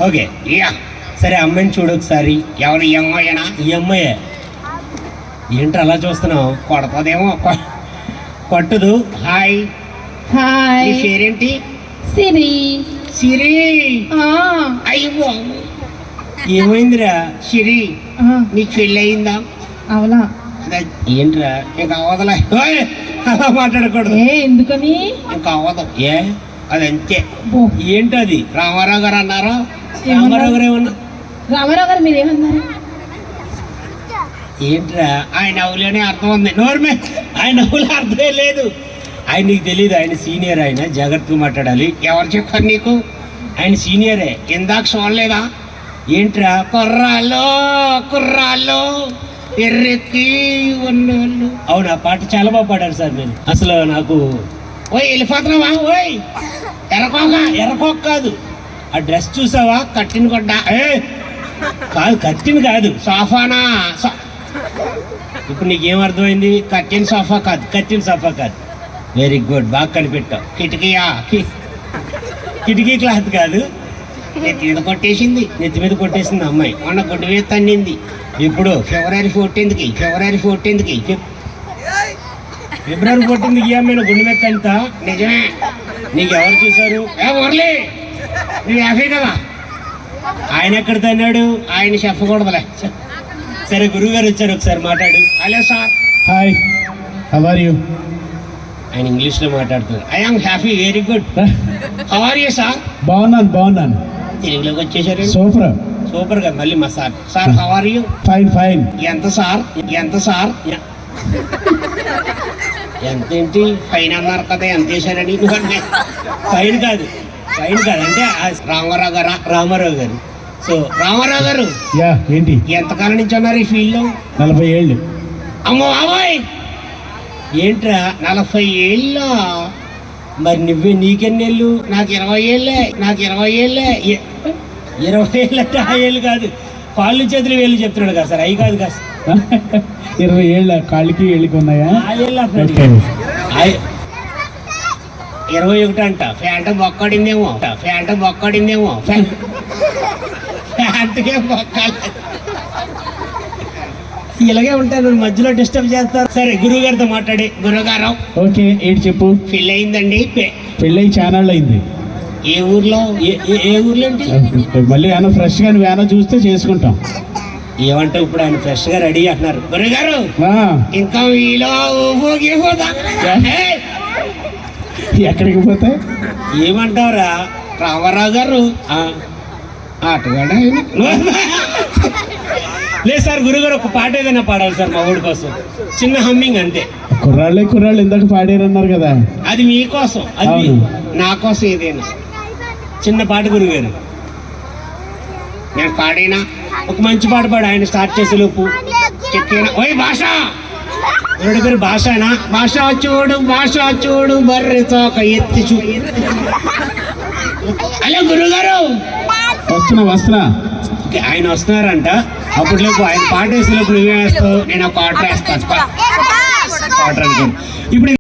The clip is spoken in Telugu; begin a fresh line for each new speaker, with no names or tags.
ఓకే
యా
సరే అమ్మాయిని చూడు ఒకసారి.
ఎవరు ఈ అమ్మాయినా?
ఈ అమ్మాయే. ఏంటి అలా చూస్తున్నావు?
కొడతదేమో.
కొట్టదు.
Hi,
hi.
నీ పేరేంటి?
సిరి.
సిరి.
ఆ,
అయ్యో
ఏమైందిరా?
సిరి,
ఆ,
నీకు పెళ్ళి అయిందా?
అవునా?
అదే,
ఏంట్రా
ఇంకా అవదలే. ఓయ్,
అలా మాట్లాడకూడదు.
ఎందుకని?
ఇంకా అవదు.
ఏ
అది అంతే.
బో,
ఏంటది?
రామారావు గారు అన్నారు.
రామారావు గారు ఏమన్నా?
రామారావు గారు మీరేమన్నారు?
ఏంట్రా
ఆయన నవ్వులోనే అర్థం ఉంది.
నోర్మే, ఆయన నవ్వులు అర్థమే లేదు. ఆయన నీకు తెలియదు, ఆయన సీనియర్, ఆయన జాగ్రత్తగా మాట్లాడాలి.
ఎవరు చెప్పారు నీకు?
ఆయన సీనియరే.
ఇందాక చూడలేదా?
ఏంట్రా?
కుర్రాళ్ళు కుర్రాళ్ళు ఎర్రెక్కి ఉన్నోళ్ళు.
అవును, ఆ పాట చాలా బాగా పాడారు సార్. నేను అసలు నాకు
ఓయ్ వెళ్ళిపోతున్నావా? ఓయ్ ఎర్రకోక.
ఎర్రకోక కాదు, ఆ డ్రెస్ చూసావా?
కట్టిన కొడ్డ.
కాదు, కత్తిని కాదు,
సోఫానా?
ఇప్పుడు నీకేం అర్థమైంది?
కట్టిన సోఫా కాదు.
కత్తిన సఫా కాదు. వెరీ గుడ్, బాగా కనిపెట్టావు.
కిటికీయా?
కిటికీ క్లాత్ కాదు,
నెత్తి మీద కొట్టేసింది.
నెత్తి మీద కొట్టేసింది అమ్మాయి.
మొన్న గుడ్డు మీద తన్నింది.
ఇప్పుడు
ఫిబ్రవరి 14కి. ఫిబ్రవరి 14కి.
ఫిబ్రవరి 14 ఈ అమ్మాయి గుండె మీద అంత.
నిజమే.
నీకు ఎవరు చూసారు?
ఏ మురళి, నువ్వు యాభై కదా.
ఆయన ఎక్కడ తన్నాడు?
ఆయన చెప్పకూడదులే.
సరే, గురువు గారు వచ్చారు, ఒకసారి మాట్లాడు.
Hello sir.
Hi, how are you?
ఆయన ఇంగ్లీష్ లో మాట్లాడుతున్నారు.
I am happy, very good. How are you sir?
బాగున్నాను.
తెలుగులోకి వచ్చేసారు.
సూపర్.
సూపర్ గా మళ్ళీ మా sir.
Sir how are you?
Fine.
ఎంత సార్? ఎంత సార్?
ఎంతేంటి?
ఫైన్ అన్నారు కదా, ఎంత వేశారని.
ఫైన్ కాదు, ఫైన్ కాదు అంటే
రామారావు గారా?
రామారావు గారు. సో
రామారావు గారు
యా, ఏంటి?
ఎంతకాలం నుంచి ఉన్నారు ఈ ఫీల్డ్ లో?
40 ఏళ్ళు.
అమ్మో బాబాయ్,
ఏంట్రా
40 ఏళ్ళ?
మరి నీకెన్నేళ్ళు?
నాకు 20 ఏళ్ళే.
20 ఏళ్ళు అంటే ఆ ఏళ్ళు కాదు, కాళ్ళు చేతులు వేళ్ళు చెప్తున్నాడు కదా సార్, అవి కాదు కదా.
20 ఏళ్ళ కాళ్ళకి ఏళ్ళకి ఉన్నాయా?
ఆ ఏళ్ళు అప్పుడు
ఓకే.
21 అంట.
ఫ్యాంట్ బొక్కడిందేమో. ఫ్యాంట్కే బొక్కాలి.
ఇలాగే ఉంటారు, మధ్యలో డిస్టర్బ్ చేస్తారు. సరే, గురువు గారితో మాట్లాడి.
గురుగారు
ఓకే, ఏంటి చెప్పు.
పెళ్ళి అయిందండి.
పెళ్ళి చానాళ్ళు అయింది.
ఏ ఊర్లో?
ఏ ఊర్లో ఏంటి?
మళ్ళీ ఏమైనా ఫ్రెష్ గా ఏమైనా చూస్తే చేసుకుంటాం.
ఏమంటే ఇప్పుడు ఆయన ఫ్రెష్ గా రెడీ అంటున్నారు.
గురుగారు
ఆ,
ఇంకా మీలో
ఎక్కడికి పోతే?
ఏమంటావురా?
రామారావు గారు ఆటగాడు ఆయన.
లేదు సార్, గురుగారు ఒక పాట ఏదైనా పాడాలి సార్ మా ఊడి కోసం, చిన్న హమ్మింగ్ అంతే.
కుర్రాళ్ళు ఇందాక పాడారన్నారు కదా.
అది మీకోసం, అది
అవును.
నా కోసం ఏదైనా
చిన్న పాట గురుగారు.
నేను పాడైనా
ఒక మంచి పాట పాడు, ఆయన స్టార్ట్ చేసే లోపు.
చెప్పిన. ఓయ్ భాష,
ఎవరి పేరు? భాషనా?
భాష చూడు బర్రె తోక ఎత్తి చూడు. హలో గురుగారు.
వస్తున్నా.
ఓకే, ఆయన వస్తున్నారంట. అప్పట్లోపు ఆయన పాట వేసే లోపు నువ్వే వేస్తావు.
నేను ఒక ఆర్డర్ వేస్తాను.
పాట అనుకోండి ఇప్పుడు.